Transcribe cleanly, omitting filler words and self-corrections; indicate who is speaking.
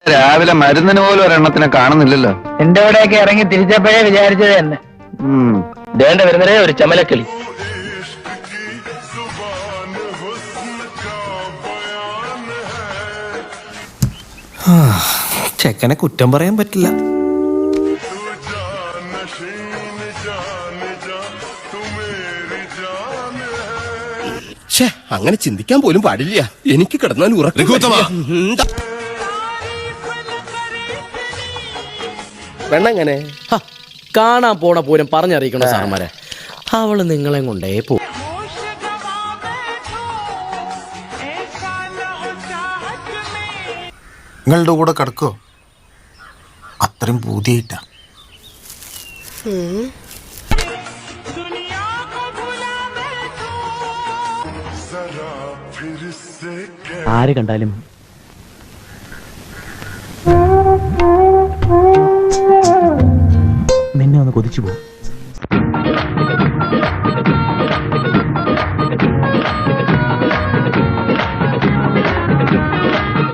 Speaker 1: രാവിലെ മരുന്നിന് പോലും ഒരെണ്ണത്തിനെ കാണുന്നില്ലല്ലോ.
Speaker 2: എന്റെ കൂടെയൊക്കെ ഇറങ്ങി തിരിച്ചപ്പോഴേ വിചാരിച്ചത് തന്നെ. ദേണ്ട വരുന്നതേ ഒരു ചമലക്കിളി.
Speaker 3: ചെക്കനെ കുറ്റം പറയാൻ പറ്റില്ല.
Speaker 4: അങ്ങനെ ചിന്തിക്കാൻ പോലും പാടില്ല. എനിക്ക് കിടന്നാൽ വെണ്ണങ്ങനെ
Speaker 5: കാണാൻ പോണ പൂരം പറഞ്ഞറിയിക്കണോ സാറന്മാരെ? അവള് നിങ്ങളെ കൊണ്ടേ പോ.
Speaker 3: നിങ്ങളുടെ കൂടെ കിടക്കോ? അത്രയും പൂതിയായിട്ടാ.
Speaker 2: ആര് കണ്ടാലും നിന്നെ ഒന്ന് കൊതിച്ചു പോകും.